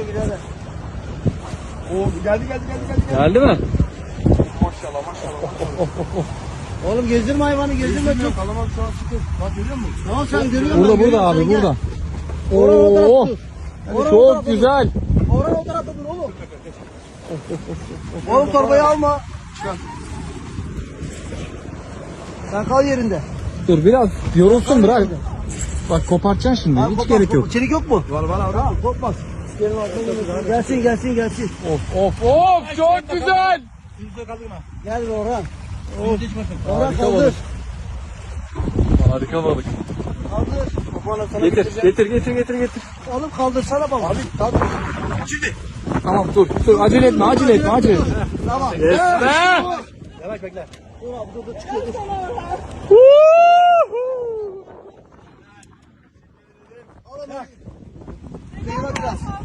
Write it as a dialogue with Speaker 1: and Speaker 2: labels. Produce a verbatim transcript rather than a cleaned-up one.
Speaker 1: birader.
Speaker 2: Oo, geldi geldi geldi geldi.
Speaker 3: Geldi mi?
Speaker 2: Maşallah maşallah.
Speaker 1: Oğlum gezdirme hayvanı, gezdirme çok.
Speaker 2: Kalamak şu an sıkı. Bak görüyor musun?
Speaker 1: Tamam sen görüyor musun?
Speaker 3: Burada burada
Speaker 1: Görüyorum,
Speaker 3: abi
Speaker 1: sen gel.
Speaker 3: burada.
Speaker 1: Orhan o tarafta
Speaker 3: Oo.
Speaker 1: dur. Orhan o
Speaker 3: Çok
Speaker 1: tarafta
Speaker 3: güzel.
Speaker 1: dur. Orhan o tarafta dur oğlum. Oğlum torbayı alma. Sen kal yerinde.
Speaker 3: Dur biraz yorulsun bırak. Bak kopartacaksın şimdi.
Speaker 1: Abi,
Speaker 3: Hiç
Speaker 1: kopmaz,
Speaker 3: gerek yok.
Speaker 1: kopmaz. Çelik yok mu?
Speaker 2: Var var abi.
Speaker 1: Tamam kopmaz. Gelin arkadaşlar. Gelsin gelsin gelsin.
Speaker 3: Of of of çok güzel.
Speaker 2: Yüzde kaldırma.
Speaker 1: Gel Orhan.
Speaker 2: Yüzde içmesin.
Speaker 1: Orhan
Speaker 3: Harika
Speaker 1: kaldır.
Speaker 3: balık. Harika balık.
Speaker 1: Kaldır.
Speaker 2: Bana sana
Speaker 3: Getir
Speaker 2: getireceğim.
Speaker 3: getir getir getir getir.
Speaker 1: Oğlum kaldırsana balığı.
Speaker 2: Abi tabii. Şimdi.
Speaker 3: Tamam dur dur acele etme acele etme acele etme.
Speaker 1: Tamam.
Speaker 3: Yes be.
Speaker 2: Yavaş bekle.
Speaker 1: Dur abi dur dur çıkıyor. Dur. Al onu. Kıyma biraz.